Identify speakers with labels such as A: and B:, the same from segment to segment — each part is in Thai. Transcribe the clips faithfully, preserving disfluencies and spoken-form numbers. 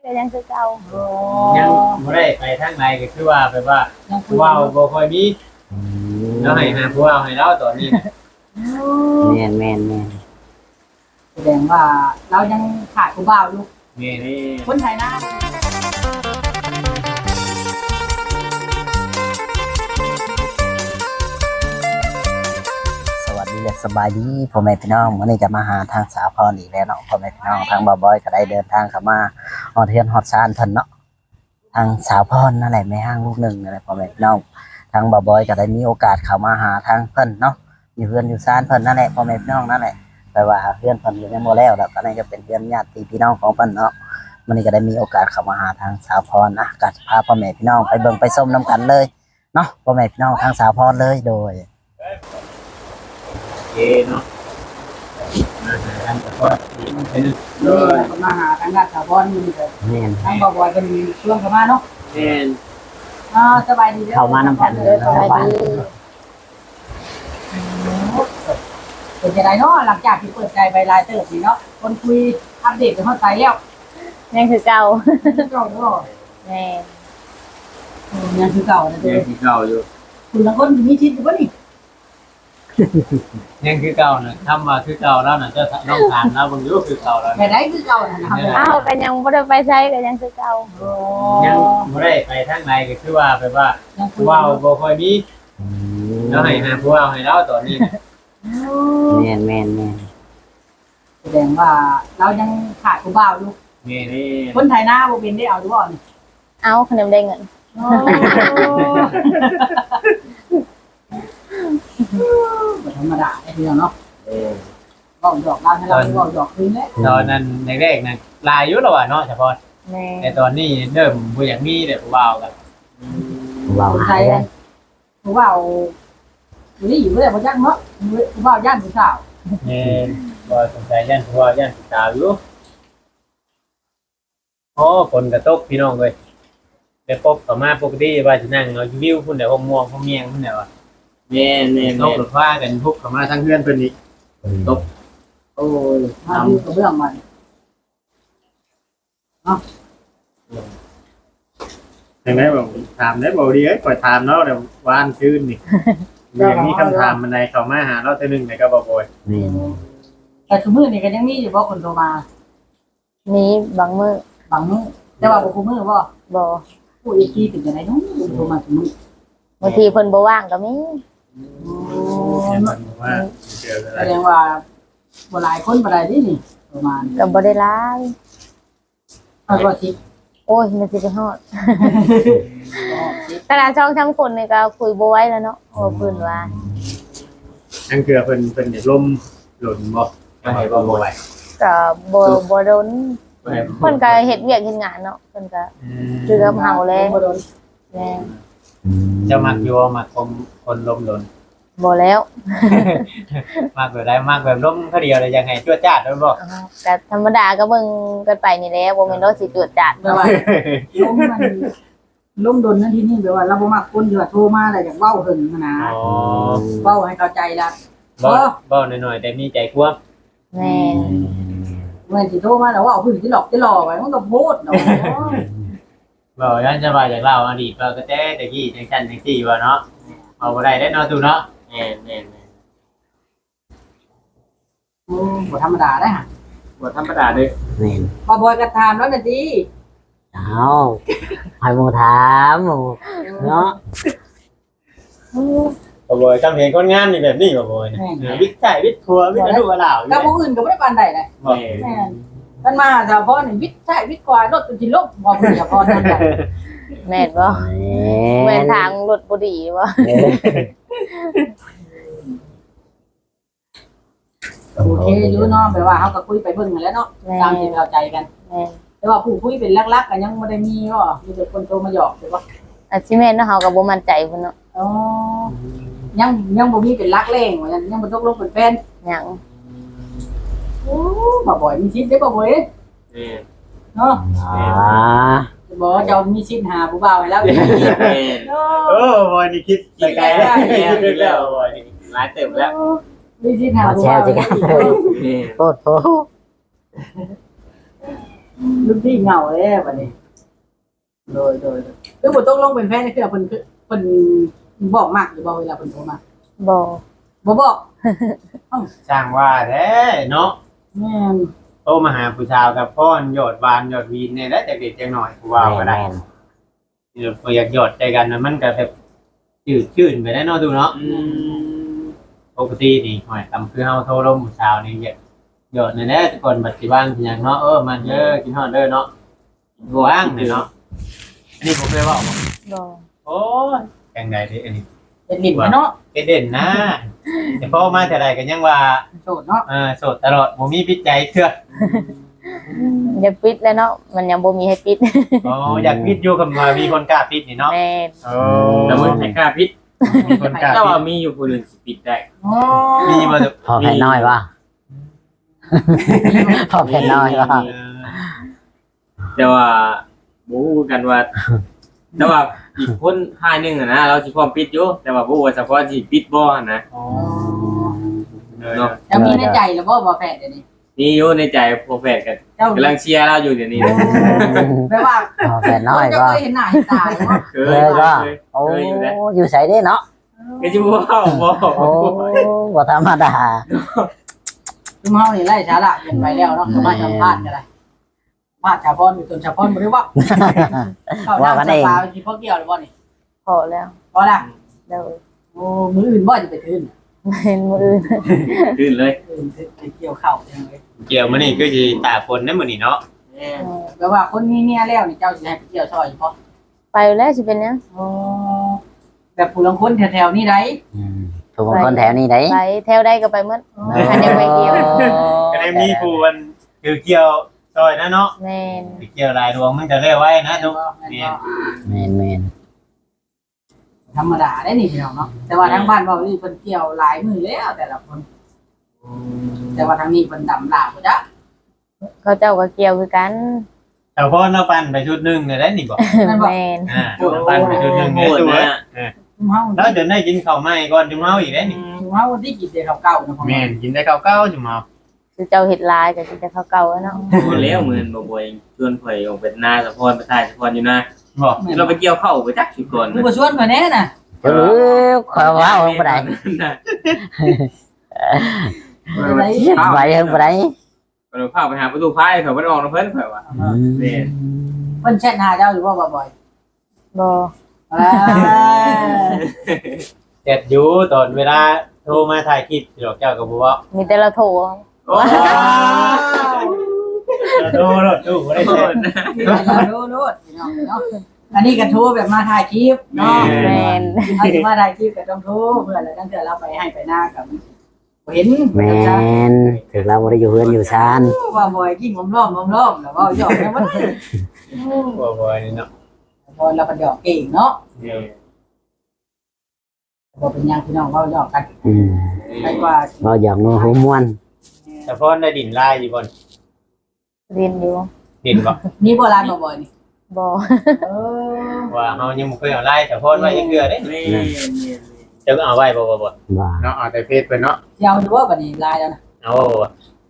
A: ก็ยังคือเก่า
B: ยังบ่ได้ไปทางไหนก็คือว่าแบบว่าว้าวบ่ค่อยมีแล้วให้หาผู้ว่าให้เราตอนนี้
C: แม่นแม่นแม่น
D: แสดงว่าเรายังขาดผู้บ่าวอยู่
B: นี่
D: คนไทยนะ
C: สวัสดีและสบายดีพ่อแม่พี่น้องวันนี้จะมาหาทางสาวพรอีกแล้วเนาะพ่อแม่พี่น้องทางบ่าวบอยก็ได้เดินทางเข้ามาฮอดเทือนฮอดซานเพิ่นเนาะทางสาวพรนั่นแหละแม่ห้างลูกหนึ่งนั่นแหละพ่อแม่พี่น้องทางบ่าวบอยก็ได้มีโอกาสเข้ามาหาทางเพิ่นเนาะอยู่เฮือนอยู่ซานเพิ่นนั่นแหละพ่อแม่พี่น้องนั่นแหละแต่ว่าเฮือนเพิ่นยังบ่แล้วแล้วก็นี่ก็เป็นเฮือนญาติพี่น้องของเพิ่นเนาะวันนี้ก็ได้มีโอกาสเข้ามาหาทางสาวพรนะก็พาพ่อแม่พี่น้องไปเบิ่งไปชมนํกันเลยเนาะพ่อแม่พี่น้องทางสาวพรเลยโดย
B: เอเนาะมาหาทางสาวพรเป็น
D: โดยมาหาทางด้านสาวพรนี่ก็
C: แม่น
D: ทางบ่าวบอยเป็นช่วงเข้ามาเนาะ
B: แม่น
D: อ่าสบายดีเด้อ
C: เข้ามานำกันเลยสบายดี
D: เป็นจังได๋เนาะหลังจากที่เปิดใจไปหลายเติบนี่เนาะคนคุยอัปเดตกันฮอดใจแล้ว
A: ยังคือเก่า
D: เก่าเนาะ
A: แม่
D: ยังคือเก่านะเด้อ
B: ยังคือเก่าอยู่
D: คุณละคนมีชิดอยู่บ่นี่
B: ยังคือเก่านะทำมาคือเก่าแล้วนะเจ้าน้องทานแล้วบางยุคือเก่าแล้ว
D: แค่ไหนคือเก่าน่ะนะครับ
A: อ้าวก็ยังบ่ได้ไปใช้ก็ยังคือเก่า
B: ยังบ่ได้ไปทางไหนก็คือว่าแบบว่าว้าวบ่ค่อยมีแล้วให้หาผู้ว่าให้เราตอนนี้
C: แม่นแม่นแม่น
D: แสดงว่าเรายังขาดผู้บ่าวอยู่
B: นี่นี่
D: คนไทยหน้าบ่เป็นได้เอาดูบ่นี่
A: เอาขนมได้เงิน
D: ธรรมดาไอ้พี่น้องเนาะเออเว้าหยอกเราให้เราเว้าหยอกคืนแหละ
B: ตอนนั้นแรกๆนั่นลายอยู่แล้วว่าเนาะเฉพาะ
A: แม่
B: แต่ตอนนี้เริ่มบ่อยากมีแต่ผู้ว่ากัน
C: ผู้ว่า
D: คนไทยผู้บ่าวนี่อยู่บ่ได้บ่จักเนาะผู้บ่าวย่านผู้สาว
B: นี่บ่สนใจย่านผู้ว่าย่านผู้สาวอยู่โอ้คนกระตกพี่น้องเอ้ยไปพบเข้ามาปกติว่าสินั่งเอาวิวพุ่นน่ะห้องม่วงห้องเมียงพุ่นน่ะว่าแม่นๆตกรถฟ้ากันพุกเข้ามาทางเฮือนเพิ่นนี่ตกโอ้ย
D: มาอยู่กับเรื่องมันเนาะ
B: จังได๋บ่ถามได้บ่ดีเอ้ยข่อยถามเนาะแต่วานคืนนี่อย่างนี้คำถามมันใดเข้ามาหาเราเทื่อนึงได้ก็บ่บ่อย
C: นี่
D: แต่ทุกมื้อนี่ก็ยังมีอยู่บ่คนโทรมา
A: มีบางมื้อบ
D: างมื้อแต่ว่าบ่คุมื้อบ่
A: บ่
D: ผู้อีกทีเป็นจังได๋เนาะโทรมาทุกมื้อบ
A: างทีเพิ่นบ่ว่างก็มี
D: แสดงว่าบ่หลายคนบ่ได้ดินี่ประมาณ
A: ก็บ่ได้หลาย
D: เอาบ่สิ
A: โอ้ยมันสิไปฮอดแต่ละช่องทั้งคนนี่ก็คุยบ่ไหวแล้วเนาะโอ้เพิ่นว่า
B: จังเกือเพิ่นเพิ่นอยากล่มหล่นบ่ให้บ่บ่ไหว
A: ก็บ่บ่โดนเพิ่นก็เฮ็ดเวียกเฮ็ดงานเนาะเพิ่นก็คือกับเฮาแลบ่โดนแม่
B: จะมักอยู่มักคนคนลมหล่น
A: บ่แล้ว
B: มักแบบใดมักแบบล้มเขาเดียวเลยยังไงจั่วจ้าดแล้วบ่
A: ก็ธรรมดาก็เบิ่งกันไปนี่แหละบ่แม่นว่าสิจั่วจ้าด
D: แปลว่าล้มมันล้มดนนั่นที่นี่แปลว่าเราบ่มักคนที่ว่าโทรมาแล้วอยากเว้าหึงนะอ๋อเว้าให้เข้าใจล่ะ
B: บ่บ่น้อยๆแต่มีใจกว้าง
A: แม่น
D: แม่นสิโทรมาแล้วเว้าหึงสิหลอกสิหลอกไว้มันก็โพดเนาะ
B: บ่ยันจะว่าจากเล่าอดีตก็แต่ตะกี้จังซั่นจังซี่ว่าเนาะเอาบ่ได้ได้เนาะตู่เนาะแม่น
D: ๆโอ้บ่ธรรมดาได้ฮะ
B: บ่ธรรมดาเด้อ
C: แม่น
D: บ่บ่ก็ถามแล้วน่ะติ
C: อ้าวให้หมู่ถามหมู่เนาะ
B: บ่บ่จำเห็นคนงานนี่แบบนี้บ่บ่เนี่ยวิทย์ใช้วิทย์ครัววิทย์ดูว่าลาว
D: กับผู้อื่นก็บ่ได้ปานใดเลยแม่นมันมาสาวพรนี่วิทย์ใช้วิทย์กว่ารถจนสิลบบ่เพิ่นสาวพรนั่นแหละ
A: แม่นบ่แม่นทางรถบ่ดีบ่
D: โอเคอยู่เนาะแปลว่าเฮาก็คุยไปเบิ่งนั่นแหละเนาะตามที่เข้าใจกัน
A: แม่น
D: แต่ว่าผู้คุยเป็นลักๆก็ยังบ่ได้มีบ่มีแต่คนโทรมาหยอกใช่บ่
A: อาสิแม่นเนาะเฮาก็บ่มั่นใจเพิ่นเนาะ
D: อ๋อยังยังบ่มีเป็นลักแรงว่ายังยังบ่ตกลงเป็นแฟน
A: ยัง
D: โอ้บ่บ่อยมีชิดได้บ่บ่อยเออเนาะ
C: อ๋อ
D: บ่เจ้ามีชิดหาผู้บ่าวให้แล้วอีก
B: โอ้บ่นี่คิดไปไกลแล้วคิดแล้วบ่นี่หลายเต็มแล้ว
D: มีชิดหาผู้บ่าว
C: โอ้โห
D: อลูกพี่เหงาแล้วบัดนี้โดยโดยคือบ่ต้องลงเป็นแฟนคือเพิ่นคือเพิ่นบอกมากหรือบ่เวลาเพิ่นโทรมา
A: บ่
D: บ่บอก
B: สร้างว่าแท้เนาะ
D: แม่น
B: โตมาหาผู้ชาวกับพ่อนยอดวานยอดวีนเนี่ยแล้วจากเด็กจังหน่อยกูว่าก็ได้เดี๋ยวพออยากหยอดใจกันนะมันก็แบบจืดชื่นไปได้เนาะดูเนาะปกตินี่หอยตำคือเฮาโทรลมผู้ชาวนี่อยากหยอดในแน่แต่ก่อนบัดสิบ้านสิหยังเนาะเออมันเด้อกินฮอดเด้อเนาะว่างเลยเนาะอันนี้ผมเคยบอก
A: บ่
B: โอ้ยแกงใดดิอันนี้
D: เป็นลิ้นเนาะ
B: เด่นนะแต่พอมาแต่ใดก็ยังว่า
D: โสดเนาะ
B: เออโสดตลอดบ่มีพิษใจเถื่อ
A: อย่าปิดแล้วเนาะมันยังบ่มีให้ปิด
B: อ๋ออยากพิษอยู่กับมามีคนกล้าพิษนี่เนาะ
A: แม่น
B: โอ้
E: แต่มึงให้กล้าพิษ
B: มีคนกล้า
E: ถ้า
B: พิ
E: ว่า
B: ษ
E: มีอยู่คนอื่นสิปิดได้
D: อ๋อ
B: มีมาจาก
C: พอแผ่นน้อยว่าพอแผ่นน้อยว่า
B: เออ
E: แต่ว่าบ่ฮู้กันว่า แต่ว่าอีกคนทายหนึงอะนะเราสิพร้อมปิดอยู่แต่ว่าบ่ฮู้ว่าเฉพาะสิปิดบ่หั่นนะ
B: อ๋อ
E: เนาะ
D: จะมีในใจแล้วบ่บ่แฟนเดี๋ยวนี้
E: มีอยู่ในใจโปรเฟสกัน
D: เจ้าก
E: ำลังเชียร์เราอยู่เดี๋ยวนี้นะ
D: แปลว่า
C: พอแผ่นน้อย
D: จะ
C: ว่า
D: เคยเห็นหน้าเห็นตาเนาะ
E: เค
C: เลย ยว่า
E: เคย
C: โอ้
E: เคยอยู่แล้ว
C: อยู่ใส่ได้เนาะ
E: ก็สิบ่เว้าบ่
C: โอ้บ่ธรรมดา
D: คือเฮานี่ไล่ช้าละเห็นไปแล้วเนาะมาสัมภาษณ์กันได้มาชาวพรอยู่จนชาวพรบ่ได้ว่าเข้าน้ำสปาสิพอเกี่ยวหรือบ่นี่
A: พอแล้ว
D: พอละ
A: เดี๋ยว
D: โอ้มื้ออื่นบ่จะไปคืน
A: เป็นมื้ออื่น
E: ขึ้นเลย
D: อื่นไปเกี่ยวข้าวจังเลย
B: เกี่ยวมานี่ก็สิตากฝนได้มื้อนี้เนาะ
D: แปลว่าคนมีเมียแล้วนี่เจ้าสิให้ไปเกี่ยวซอยบ่
A: ไปแล้วสิเป็นหยัง
D: อ๋อแบบผู้ลังคนแถวๆนี้ได้
C: อืมถูกคนแถวนี้ได้
A: ไปแถวใดก็ไปหมดคันยังไปเกี่ยว
B: ก็ได้มีผู้มันคือเกี่ยวซอยนะเนาะ
A: แม่น
B: ไปเกี่ยวหลายดวงมันจะเรียกไว้นะทุก
D: แม่
B: เนี่ย
C: แม่นแม่น
D: ธรรมดาได้นี่พี่น้องเนาะแต่ว่าทางบ้านเว้านี่เพิ่นเกี่ยวหลายมื้อแล้วแต่ละคน แต่ว่าทางนี้เพิ่นดำลาบ่จ้ะ
A: เขาเจ้าก็เกี่ยวคือกัน
B: แต่พ่อเราปั่นไปชุดหนึงเนี่ยได้นี่บ่
D: นั่นบ่
A: แม่น
B: อ่าเราปั่นไปชุดหนึง
E: โห
B: เนี่ย
E: ด
B: ตัว
E: นะ
D: ชุมเฮา
B: แล้วเดี๋ยวได้กินข้าวใหม่ก่อนจุ่มเฮาอีกได้นี่
D: ชุมเฮาที่กินแต่ข้าวเก่านะพ่อ
B: แม่นกินได้ข้าวเก้าจุ่มเฮา
A: คือเจ้าเฮ็ดลายก็สิจะเขาเก่าแล้วเนาะ
E: หมดแล้วเหมือนบ่บ่อยชวนข่อยออกไปหน้าสะพอนไปถ่ายสะพอนอยู่นะ
B: บอก
E: เราไปเกี่ยวเข้าไปจักสิก่อน
D: คือบ่ชวนข่อยแน่น่ะ
C: เออขอว่าเอาบ่ได้ไปเฮงบ่ได้
E: เราพาไปหาประตูพายเขาบ่ได้ออกนะเพิ่นข่อยว่าแม่น
D: เพิ่นแชทหาเจ้าอยู่บ่บ่อย
A: บ่
D: ๆอ่า
B: เจ็ดอยู่ตอนเวลาโทรมาถ่ายคลิปดอกเจ้าก็บ่ว่า
A: มีแต่ละโถ
E: โอ้
B: โทรรถตู้บ่ได้เซ็น
D: โน้ตๆพี่น้องเนาะอันนี้ก็โทรแบบมาถ่ายคลิปเนาะ
A: แม่น
D: ถ้าสิมาถ่ายคลิปก็ต้องโทรเพื่อแล้วจังเทื่อเราไปให้ไปหน้ากับบ่เห็น
C: แม่นถึงเราบ่ได้อยู่เฮือนอยู่ชาน
D: ว่าบ่อยกินหอมล้อมหอมล้อมแล้วเว้าหยอกแม่บ่ได้
B: บ่บ่นี่เนาะ
D: พอเราก็หยอกเก่งเนาะ
B: เนี่ย
D: บ่เป็นหยังพี่น้องเว้าหยอกกัน
C: อืม
D: ไปกว่า
C: เว้าหยอกนัวหัวม่วน
B: แต่พ่อได้ดินลายอยู่บน
A: เรียนอยู่
B: ดินบ่
D: นี่บ่ร้านบ่บ่อยนี่
A: บ่
D: เออ
B: ว่าเฮายังบ่เคยเอาลายแต่พ่อไว้ยังเกลือเด้
E: แม่น
B: จะก็เอาไว้บ่บ่บ่
C: ว่า
B: เนาะเอาแต่เฟซไปเนาะ
D: สิเอาอยู่ว่าบัดนี้ลายแล้วนะ
B: เอาบ่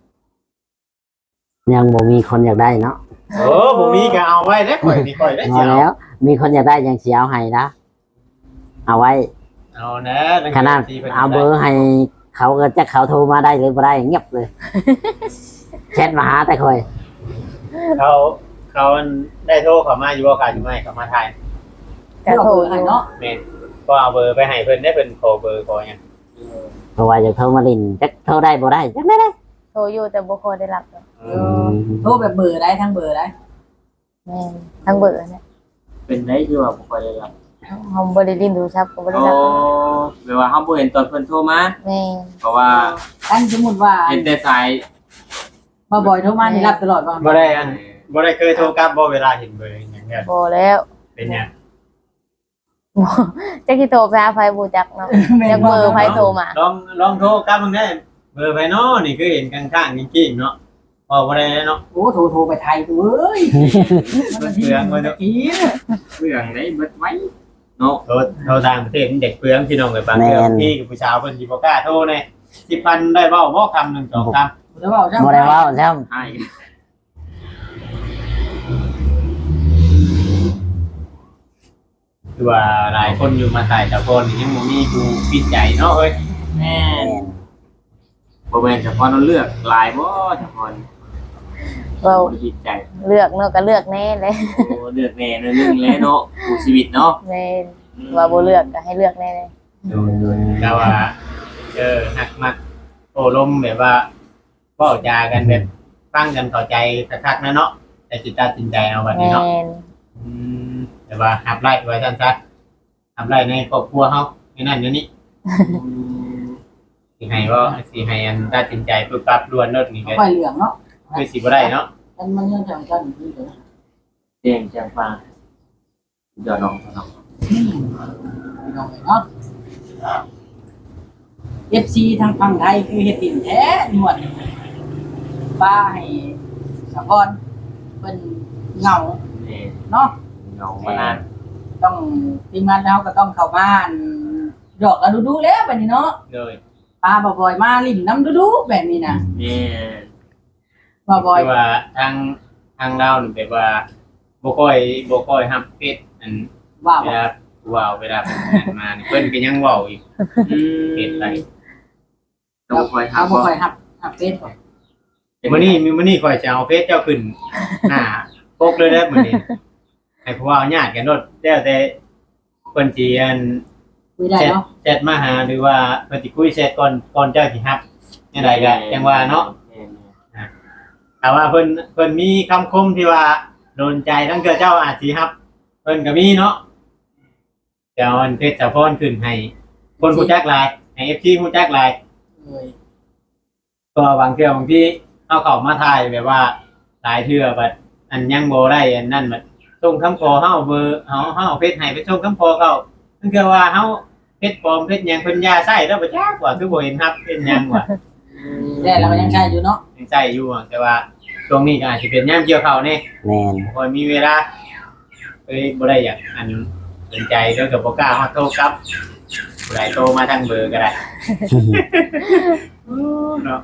C: ยังบ่มีคนอยากได้เนาะ
B: โอ้บ่มีก็เอาไว้เด้ข่อยสิข่อยได้
C: พ
B: สิ
C: อ
B: เอา
C: แล้ว มีคนอยากได้ยังสิเอาให้นะเอาไว้
B: เอานะ
C: ขนาดเอาเบอร์ให้เขาก็จะเขาโทรมาได้หรือบ่ได้เงียบเลยแชทมาหาแต่คอย
B: เขาเขาได้โทรเข้ามาอยู่บ่กาอยู่ไหมเข้ามาถ่าย
A: ก็โถอ
D: ให้
A: ยู่
D: เนาะ
B: แม่นก็เอาเบอร์ไปให้เพิ่นได้เพิ่นขอเบอร์ขอหยัง
C: เพราะว่าจะโทรมาลินจะโทรได้บ่ได้จักได้ได้
A: โทรอยู่แต่บ่ค่อยได้รับหรอก
B: เอ
D: เอ
B: อ
D: อโทรแบบเบอร์ได้ทั้งเบอร์ได้
A: แม่นทั้งเบอร์เนี่ย
E: เป็นได้คือว่าบ่ค่อยได้รับ
A: เฮาบ่ได้ลิ้นโทรศัพท์ก็บ่ได้
E: โอ้
A: รับ
E: แปลว่าเฮาบ่เห็นตอนเพิ่นโทรมา
A: แม่น
E: เพราะว่า
D: อันสมมุติว่า
E: เห็นแต่สาย
D: บ่บ่อยโทรมานี่รับตลอดบ่
B: บ่ได้อันบ่ได้เคยโทรกลับบ่เวลาเห็นเบอร์หยังเนี่ย
A: บ่แล้ว
B: เป็นหยัง
A: บ่จักสิโทรไปหาไผบ่จักเนาะจักเบอร์ไผโทรมา
B: ลองลองโทรกลับเบิ่งได้เบอร์ไผเนาะนี่คือเห็นข้างๆจริงๆเนาะพอบ่ได้เนาะ
D: โอ้โทรโทรไปไทยตัวเอ้ยมันทีมันที
E: เรื่องได้เบิดไว้เนาะ
B: โทรโทรต่างประเทศมันเด็กเปลืองพี่น้องเอ้ยบางเรื่องพี่กับผู้สาวเพิ่นสิบ่กล้าโทรแน่สิบพันได้เว้าบ่คำหนึ่งสองคำ
D: แล้วเว้าจัง
C: บ่ได้เว้าใช่
E: ใช่
B: คือว่าหลายคนอยู่มาตายแต่คนยังบ่มีผู้ปิดใจเนาะเอ้ย
E: แม่
C: แม่น
E: บ่แม่นเฉพาะเราเลือกหลายบ่เฉพาะ
A: เรา
E: บ่ผิดใจ
A: เลือกเนาะก็เลือกแน่เลย
E: โอ้เลือกแน่เนึงแล้วเนาะผู้ชีวิตเนาะ
A: แม่นว่าบ่เลือกก็ให้เลือกแน่เลย
B: แต่ว่าเออหักมักโอ้ลมแบบว่าเว้าจากันแบบฟังกันเข้าใจคักๆนะเนาะแต่สิตัดสินใจเอาบัดนี้
A: แม่
B: เนาะ
A: น
B: อืมแต่ว่าหับไล่ไว้ซั่นซะหับไล่ในครอบครัวเฮาในนั้นอยู่นี่สิให้บ่สิให้อันตัดสินใจปึ๊บปั๊บด่วนเนาะนี่ก็
D: ค่อยเหลืองเนาะ
B: คือสิบ่ได้เนาะ
D: มันมันยังจังกันอยู่เลย
E: แจ้งแจ้งฟังเดี๋ยวน้องน้อง
D: พี่น้องเนาะ เอฟ ซี ทางฝั่งไทยคือเฮ็ดดินแท้หนวดป้าให้สะพอนเพิ่นเหงา
E: นี่
D: เนาะ
E: เหงามานาน
D: ต้องทีมงานเราก็ต้องเข้าบ้านดอกก็ดูๆแล้วแบบนี้เนาะ
B: เลย
D: ปลาบ่อยๆมาลิ้นน้ำดูๆแบบนี้นะ
E: นี่
D: บ่อย
B: คือว่าทางทางเรานี่แบบว่าบ่ค่อยบ่ค่อยรับเฟซอัน
D: ๆว่า
B: เว
D: บ่
B: ลาเว้าเวลาเพิ่นอ่านมานี่เพิ่นก็ยังเว้าอีก
E: อืม
B: เฟซไป
E: ต้องคอย
D: เอา
E: ทำ
D: บ่
E: บ่
D: ค่อยรับรับเฟซบ่
B: มื้อนี้มื้อนี้ข่อยจะเอาเฟซเจ้าขึ้นหน้าปกเลยเด้อมื้อนี้ให้ผู้ว่าญาติกันโดดแล้วแต่เพิ่นสิอัน
D: คุยได้
B: แชท
D: เนาะ
B: แชทมาหาหรือว่าเพิ่นสิคุยแชทก่อนก่อนเจ้าสิรับจังไดก็จังว่าเนาะแต่ว่าเพิ่นเพิ่นมีคำคมที่ว่าโดนใจทั้งเทื่อเจ้าอาจสิรับเพิ่นก็มีเนาะเจ้าอันเพชรสะพรขึ้นให้คนรู้จักหลายให้ เอฟ ซี รู้จักหลาย
D: เอ้ย
B: ก็บางเทื่อบางที่เอาเข้ามาถ่ายแบบว่าหลายเทื่อบัดอันยังบ่ได้อันนั้นบัดส่งคำขอเฮาเบอร์เฮาเฮาเอาเพชรให้ไปส่งคำขอเขานั่นคือว่าเฮาเพชรปลอมเพชรหยังเพิ่นยาใช้แล้วบ่จักว่าคือบ่เห็นรับเป็นหยังว่า
D: แต่เราก็ยังใช้อยู่เนาะ
B: ยังใช้อยู่อะแต่ว่าช่วงนี้ก็อาจสิเป็นยามเกี่ยวข้าวแน่
C: แม่น
B: บ่ค่อยมีเวลาเอ้ยบ่ได้อยากอันสนใจแล้วก็บ่กล้าฮอดโทรกลับผู้ใดโทรมาทางเบอร์ก็ได้เนาะ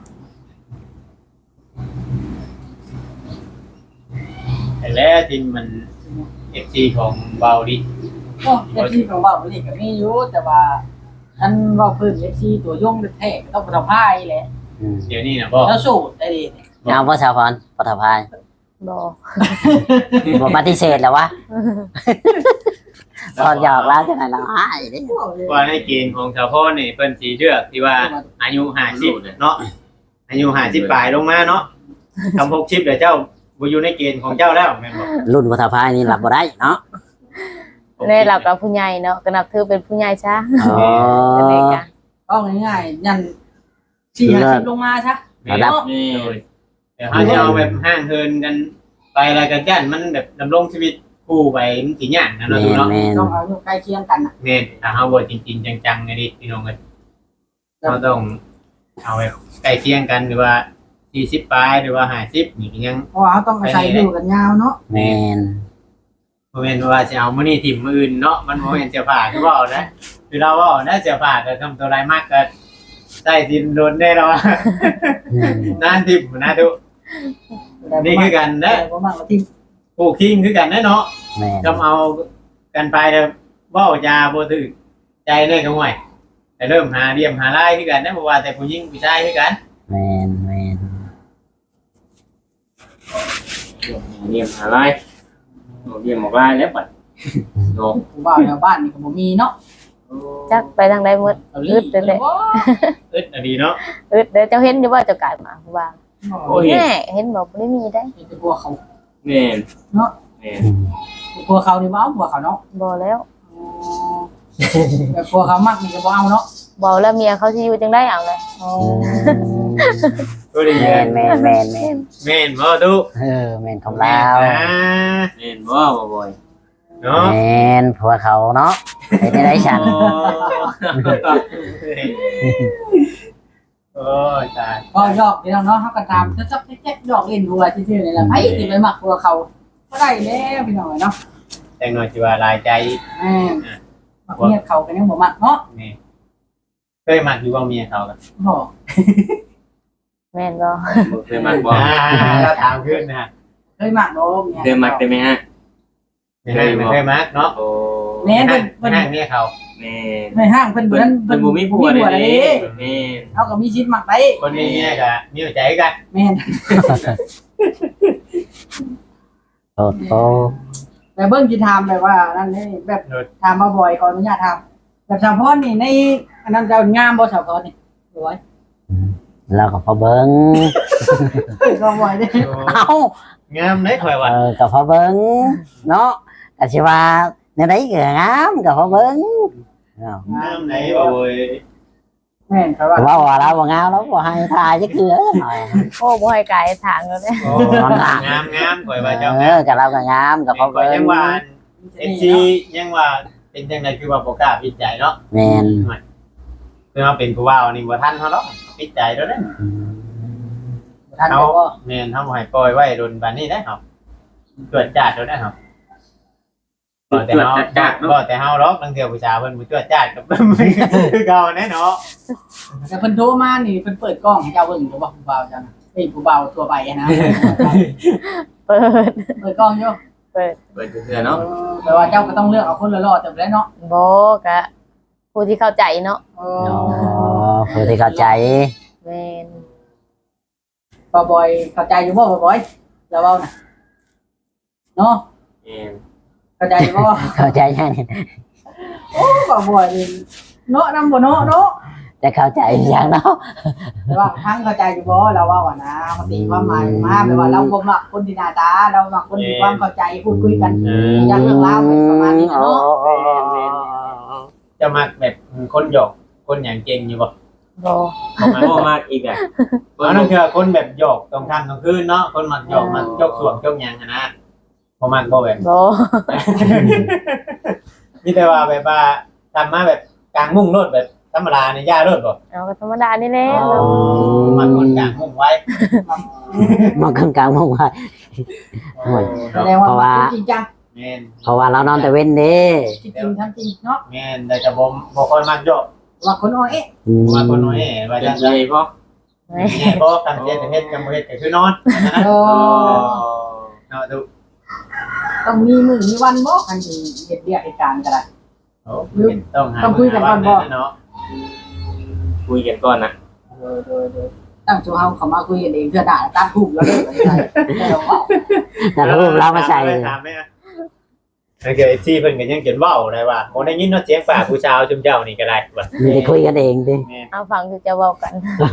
B: แต่แล้วที่มัน เอฟ ซี ของเบาดิ
D: โอ้เอฟซีของเรานี่ก็มีอยู่แต่ว่าอันเว่าพื้นเอฟซีตัวยงแท้ก็ต้องประพายแหละ
C: อืม
B: เดี๋ยวนี้นะบ่
D: แล้วสูตรได้ดี
C: เอาบ่สาวพรปฐพาย
A: บ่
C: บ่ปฏิเสธแล้ววะตอนหยอกแล้วจังได๋ล่ะอ้ายเด้
B: ว่าในเกณฑ์ของชาวพ่อนี่เพิ่นสิเลือกที่ว่าอายุห้าสิบเนาะอายุห้าสิบปลายลงมาเนาะทำหกสิบเดี๋ยวเจ้าบ่อยู่ในเกณฑ์ของเจ้าแล้วแม่นบ่
C: รุ่นปฐพายนี่รับบ่ได้เนาะ
A: ในหลักกับผู้ใหญ่เนาะก็นับถือเป็นผู้ใหญ่ซะ
C: อ๋อ
A: อันนี้ก็
D: ก็ง่ายๆยันสี่ห้าสิบลงมาซะ
C: ระดับ
E: นี่
B: เดี๋ยวเขาจะเอาแบบห้างเฮินกันไปอะไรกันยันมันแบบดำรงชีวิตคู่ไปมันสิยากนะ
C: แม่
B: เนาะ
C: น
B: เนาะ
C: แม่น
D: ต้องเอาอยู่ใกล้เคียงกันน่ะ
B: แม่นถ้าเฮาบ่จริงๆจังๆไงดิพี่น้องเอ้ยเราต้องเอาแบบใกล้เคียงกันหรือว่าสี่สิบปลายหรือว่าห้าสิบนี่ก็ยัง
D: เพราะว่าเขาต้องอาศัยอยู่กันยาวเนาะ
C: แม่น
B: บ่แม่นว่าสิเอามื้อนี้ทิ่มมื้ออื่นเนาะมันบ่แม่นเสื้อผ้าคือเว้านะคือเราเว้านะเสื้อผ้าก็ทำตัวไรมากก็ใส่สินโดนแน่เนาะ
C: อืม
B: นานทิ่มนะทุนี่คือกัน
D: แต่
B: นะ
D: บ่มากกว่าที่
B: ปลูกทิ้งคือกันนะเนาะ
C: แม่น
B: ทำเอากันไปแล้วเว้ายาบ่ถึกใจเลยก็ห่วยแต่เริ่มหาเรียมหาไล่คือกันนะบ่ว่าแต่ผู้หญิงผู้ชายคือกัน
C: แม่นแม่น
E: เรียมอะไรเรียมออกลายแล้วปัดโน
D: ผู้บ่าวแถวบ้านนี่ก็บ่มีเนาะ
A: จักไปทางใดหมด
D: เอา
A: อึดเลยแหละ
B: อึดอะดีเนาะ
A: อึดเด้อเจ้าเห็นอยู่ว่าเจ้ากลายมาผู้ว่า
E: โอ้ย
A: แม่เห็นบ่บ่ได้มีได้
D: เป็นผัวเขา
E: แม่น
D: เนาะ
E: แม่น
C: อืม
D: ผัวเขานี่บ่เอาผัวเขาเนาะ
A: บ่แล้ว
D: แต่ผัวเขามักนี่ก็บ่เอาเนาะ
A: บ่แล้วเมียเขาสิอยู่จังได๋เอาเลย
D: อ๋อ
B: ก็ดี
C: แม่นแม่นแม่นแม่น
B: แม่นบ่ตุ
C: เออแม่นของเรา
B: นะ
E: แม่นบ่บ่อย
B: เนาะ
C: แม่นผัวเขาเนาะเป็นได้ฉัน
B: โอ้ยตาย
D: ก็ยอกพี่น้องเนาะเฮาก็ตามจักๆแจ๊กๆดอกเล่นหัวซื่อๆนี่แหละไผสิไปมักผัวเขาก็ได้แล้วพี่น้องเนาะ
B: แต่งหน่อยสิว่าหลายใจ
D: แม่มักเมียเขาก็ยังบ่มักเนาะ
B: นี่เคยมักอยู่บ่เมียเขากัน
D: บ่
A: แม่นบ่
E: บ่เคยมักบ่
B: อ่าเราถามขึ้นนะ
D: เคยมักเนาะเมีย
E: เคยมักได้ไหมฮะ
B: ให้ไม่เคยมักเนาะ
E: โอ้
D: แม่นเพิ่น
B: เพิ่
D: เพิ่
B: น
D: น
B: ให้เนี่ยเขา
E: แม่
D: ในห้างเพิ่นบ่นั้น
E: เพิ่นบ่มีผัว
D: มี
E: เลย
D: เด้
E: เด้แม่น
D: เฮาก็มีชิดมักได้
B: คนนี้เนี่ยก็มีหัวใจกัน
D: แม่น
C: โอ้โห
D: แต่เบิ่งสิถามแบบว่านั่นนี่แบบถามมาบ่อยขออนุญาตถามแบบสาวพรนี่ในอันนั้นจะงามบ่สาวพรนี่สวย
C: แล้วก็พอเบิ้ง
D: ก็บ่อยเด้
C: เอ้าง
B: ามได้ข่อยว่า
C: เออก็พอเบิ้งเนาะแต่สิว่าในไหนก็งามก็พอเบิ้งเนาะ
B: งามไหนโอ้ย
D: แม่นครับว่า
C: ว่าว่าเราบ่งามแล้วบ่ให้ทายจักเทื่อหน่อย
A: โอ้บ่ให้กายทางแล้วเด้
B: โอ้งามงามงามข่อยว่าเจ้า
C: เออก็เราก็งามก็พอ
B: ข่อย
C: เบิ้
B: ยัง งว่าเอฟซียังว่าเป็นจังไดคือว่าบ่กล้าปิดใจเนาะ
C: แม่น
B: คือว่าเป็นผู้ว่าวนี่บ่ทันเฮาหรอกปิดใจแล้วเด้
D: ท่าน
B: เฮา
D: ก็
B: แม่นเฮาบ่ให้ปล่อยไว้โดนบัดนี้ได้ครับตรวจจัดแล้วได้ครับบ่แต่เฮาบ่แต่เฮาหรอกบางเทื่อผู้ชายเพิ่นบ่ตรวจจัดกับคือเก่าแน่เนาะ
D: แต่เพิ่นโทรมานี่เพิ่นเปิดกล้องให้เจ้าเบิ่งอยู่บ่ผู้บ่าวจังเฮ้ยผู้บ่าวทั่วไปนะ
A: เปิด
D: เปิดกล้องอยู่
A: เปิด
E: เปิดเทื่อเนาะ
D: แต่ว่าเจ้าก็ต้องเลือกเอาคนละรอดจังได๋เนาะ
A: บ่ก็ผู้ที่เข้าใจเนาะ
D: เอ
C: อ๋อ
D: อ
C: ผู้ที่เข้าใจ
A: แม่น
D: บ่บ่อยเข้าใจอยู่บ่บ่บ่อยแล้วเว้าน่ะเนาะ
E: แม่น
D: เข้าใจอยู่บ่
C: เข้าใจยังนี่
D: โอ้บ่บ่อยนี่เนาะนำบ่เนาะเนาะ
C: จะเข้าใจอย่างเนาะ
D: แต่ว่าทั้งเข้าใจอยู่บ่เราเว้าอ่ะนะมันตีความหมายมาแปลว่าเราบ่มักคนที่หน้าตาเรามักคนที่ความเข้าใจพูดคุยกัน
B: เออ
D: อย่างเรื่องราวเป็นประมาณนี้นะเนาะ
B: จะมักแบบคนหยอกคนหยังเก่งอยู่บ่
A: บ่
E: มาบ่มากอีกอ่ะ
B: เอานั่นคือคนแบบหยอกตรงค่ำตรงคืนเนาะคนมักหยอกมักยกส่วงยกหยังอะนะบ่มักบ่แบบ
A: บ่
B: มีแต่ว่าแบบว่าทำมาแบบกลางมุ้งโลดแบบธรรมดาในย่าโลดบ่
A: เอาก็ธรรมดานี่แหละ
B: มันคนกลางมุ้งไว้
C: มันกลางกลางมองว่า โอ้ย
D: แสดงว่า
C: เพราะว่า
D: มันจริงจัง
B: แม่น
C: เพราะว่าเรานอนแต่เว้นเด้
D: จริงๆทั้งจริงเนาะ
B: แม่นแต่จะบ่บ่ค่อยมักหยอก
D: ว่าคนอ้อเอ๊ะ
C: อืม
B: ว่าคนน้อยว่า
E: เป็
B: จั
E: น
B: ง
E: ไง
B: ได๋
E: พ่อ
A: แม่
B: แม่บ่กันเฮ็ดเฮ็ดกันบ่เฮ็ดก็คือนอนนะ
D: โอ้
B: เนาะดู
D: ต้องมีมือมีวันบ่คันสิเฮ็ดเรียกเหตุการณ์ก็ได้
B: โอ้ต้องหา
D: ต้องคุยกันก่อนบ่
B: เนาะ
E: คุยกันก่อนนะ
D: ตั้งตัวเฮาเข้ามาคุยกันเองเพื่อด่าตามถูกแล้วเด้อใช่แล้วว่า
C: แต่รูปเรามาใส่
B: ถามแม่โอเคที่เพิ่นก็ยังเขียนเว้าได้ว่าบ่ได้ยินเนาะเสียงปากผู้ชาวชุมเจ้านี่ก็ได้ว่า
C: มีแต่คุยกันเองดิ
B: แม่น
A: เอาฟังคือจะเว้ากัน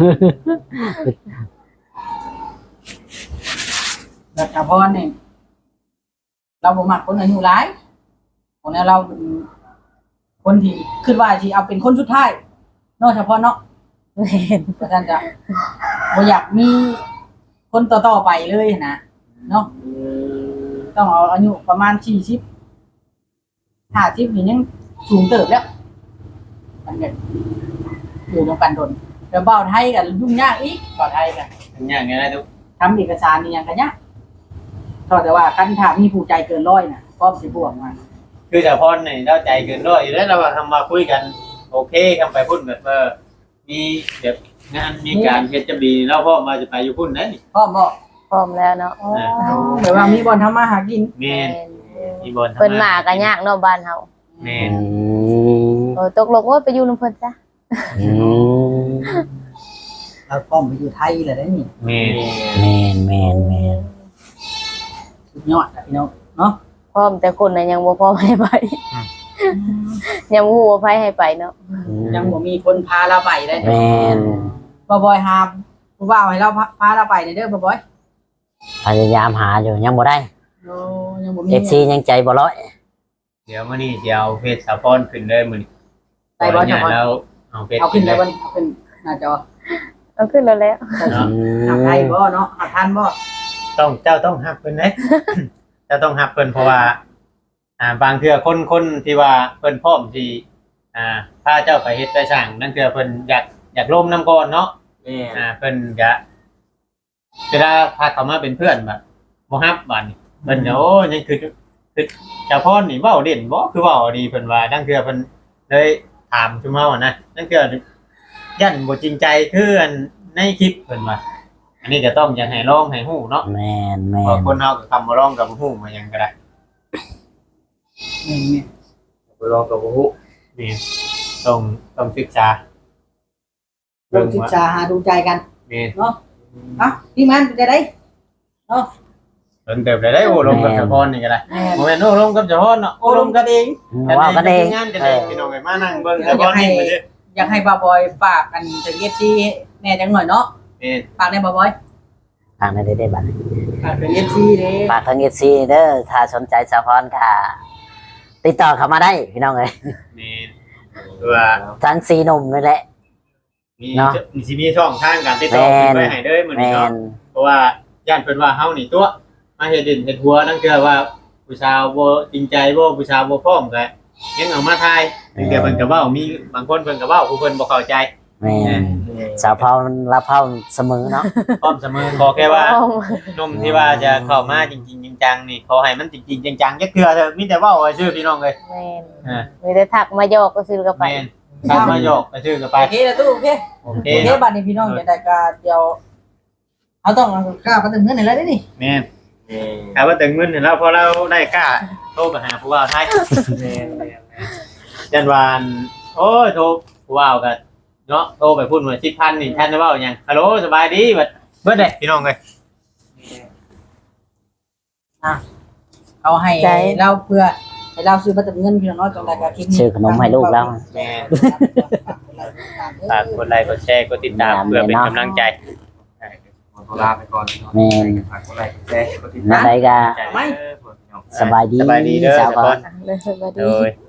D: แล้วถ้าพรนี่เราบ่มักคนอายุหลายคนนี้เราเป็นคนที่คิดว่าสิเอาเป็นคนสุดท้ายเนาะเฉพาะเนาะ
A: แม่น
D: เพราะฉะนั้นจะบ่อยากมีคนต่อๆไปเลยนะเนาะต้องเอาอายุประมาณสี่สิบห้าสิบนี่ยังสูงเติบแล้วมันก็อยู่ตรงกันโดนแล้วเบ้าไทยกันยุ่งยากอีกเบ้าไทยกัน
B: อย่างงี้นะทุก
D: ทำเอกสารนี่ยังกันยากเท่าแต่ว่าคันถามมีผู้ใจเกินร้อยน่ะพร้อมสิบวกมา
B: คือแต่พรนี่เราใจเกินร้อยอยู่แล้วเราว่าทำมาคุยกันโอเคกันไปพุ่นแบบเออมีแบบงานมีการเฮ็ดจะดีเราพร้อมมาจะไปอยู่พุ่นนะนี่
D: พร้อมบ่
A: พร้อมแล้วเนาะ
D: แต่ว่ามีบอลทำมาหากิน
B: แม่นมีบอล
A: เพิ่นมาก็ยากเนาะบ้านเฮา
B: แม่
C: อื
B: น
C: ม
A: เออตกลงว่าไปอยู่นำเพิ่นซะ
C: อืม
D: เราพร้อมไปอยู่ไทยเลยได้นี่
B: แม่น
C: แมนแมนแมน
D: สุดยอดอะพี่น้องเนาะ
A: พร้อมแต่คนน่ะยังบ่พร้อมให้ไป ยังบ่ฮู้ว่าไผให้ไปเนาะ
D: ยังบ่มีคนพาเราไปได้
C: แมน
D: บ่บอยหาผู้บ่าวให้เราพาเราไปเด้อบ่บอย
C: พยายามหาอยู่ยังบ่ได้
D: โอ้ยังบ่มี
C: เอฟซียังใจบ่ร้อย
B: เดี๋ยวมื้อนี้สิเอาเฟซสะพอนขึ้นเลยมื้อนี้
D: ไปบ่จัง
B: ขออนุญาตแล้วเอาเฟซ
D: เอาขึ้นได้บ่นี่เอาขึ้นหน้าจอ
A: เอาขึ้นแล้วแล้ว
B: เนาะ
D: หาไทยบ่เนาะหาทันบ่
B: ต้องเจ้าต้องฮับเพิ่นเด้ เจ้าต้องฮับเพิ่นเพราะว่า อ่าบางเทื่อคนคนที่ว่าเพิ่นพร้อมที่อ่าพาเจ้าไปเฮ็ดไปสร้างนั่นคือเพิ่นอยากอยากร่วมนํก่อนเนาะ
E: แม่
B: อ่าเพิ่นก็เวลาพาเขามาเป็นเพื่อนแบบบ่ฮับบัดนี้เพิ่นก็โอ้ยังคือคือเจ้าพ่อนี่เว้าเด่นบ่คือเว้าดีเพิ่นว่าดังเทื่อเพิ่นเลยถามชุมเฮานะดังเทื่อยันบ่จริงใจคืออันในคลิปเพิ่นว่าอันนี้ก็ต้องอยากให้ลองให้ฮู้เนาะ
C: แมนแม
B: เพราะ
C: น
B: คนเฮาก็คำบ่ลองก็บ่ฮู้มาหยังก็ได้
D: นี่นี่
B: บ่ลองกับบ่ฮู้นี่ต้องต้องศึกษา
D: ลองศึกษาหาดูใจกัน
B: นี่
D: เนาะอ่ะพี่มันจะได้เนาะ
B: เพิ่นเติบได้ได้โอ้ลมกับเฉพาะนี่ก็ได้
D: แม่
B: บ่แม่นโอ้ลมกับเฉพาะเนาะโอ้ลมกันเอง
C: ว่ากันเอง
B: งานกัน
C: เอ
B: เอ
C: อง
B: พี่น้องเอ้ยมานั่งเบิ่งเฉพาะนี่มาซื่อ
D: อยากให้บาบอยฝากกันถึงเอฟซีแน่จังหน่อยเนาะ
B: นี่
D: ฝากได้บาบอย
C: ทางนั้นได้ได้บัดนี้
D: ฝากถึงเอฟซีเด้
C: ฝากทางเอซีเด้อถ้าสนใจสาวพรก็ติดต่อเข้ามาได้พี่น้องเอ้ย
B: นี่ว่า
C: ทั้งสีหนุ่มนี่แหละ
B: มี
C: เนาะ
B: มีสิมีช่องทางการติดต่อ
C: แม่น
B: ไปให้เด้อมื้อ
C: แม
B: นี้เนาะ
C: น
B: เพราะว่าย่านเพิ่นว่าเฮานี่ตัวมาเฮ็ดดินเฮ็ดหัวนั่นคือว่าผู้สาวบ่จริงใจบ่ผู้สาวบ่พร้อมก็ยังเอามาทายถึงแต่เพิ่นก็เว้ามีบางคนเพิ่นก็เว้าผู้เพิ่นบ่เข้าใจ
C: แมนสาวพรรับเผาเสมอเนาะ
B: พร้อมเสมอขอแค่ว่า หนุ่มที่ว่าจะเข้ามาจริงๆจังๆนี่ขอให้มันจริงๆจังๆจักเทื่อเถอะมีแต่เว้าไว้ชื่อพี่น้องเลย
A: แม่น
B: อ่า
A: มีแต่ทักมาโยกก็ซื้อกันไป
B: แม่นทำมาหยอกไปชื่อกันไป
D: โอเคนะตู้โอเค
B: โอเค
D: โอเค
B: เนาะ
D: บัดนี้พี่น้องจะได้ก็เดี๋ยวเอาต้องเอากล้าไปถึงเงินไหนแล้วนี่
B: แม่นถ้าว่าถึงเงินเนี่ยเราพอเราได้กล้าโทรไปหาผู้ว่าไทยแม่นจันวานโอ้ยโทรผู้ว่ากันเนาะโทรไปพูดว่าสิบพันนี่ท่านจะเว้าหยังฮัลโหลสบายดีบัดเบิดเด้พี่น้องเลย
D: เอาให้เราเพื่อให้เราซื้อมาถึงเงินพี่น้องเนาะจังได๋ก็คลิปนี้
C: ซื้อขนมให้ลูกแล้ว
B: แม่นฝากกดไลค์กดแชร์กดติดตามเพื่อเป็นกำลังใจ
E: ขอลาไปก่อน
C: แมน
E: ฝากกดไลค์กดแชร์กดติด
C: นั่
E: ตาน ม
C: ใดก็
B: ไม่
C: สบายดี
B: สบายดีเด้อ
C: สาวพร
B: สาวพร
A: เลยสวัส
B: โด
A: ดี
B: ย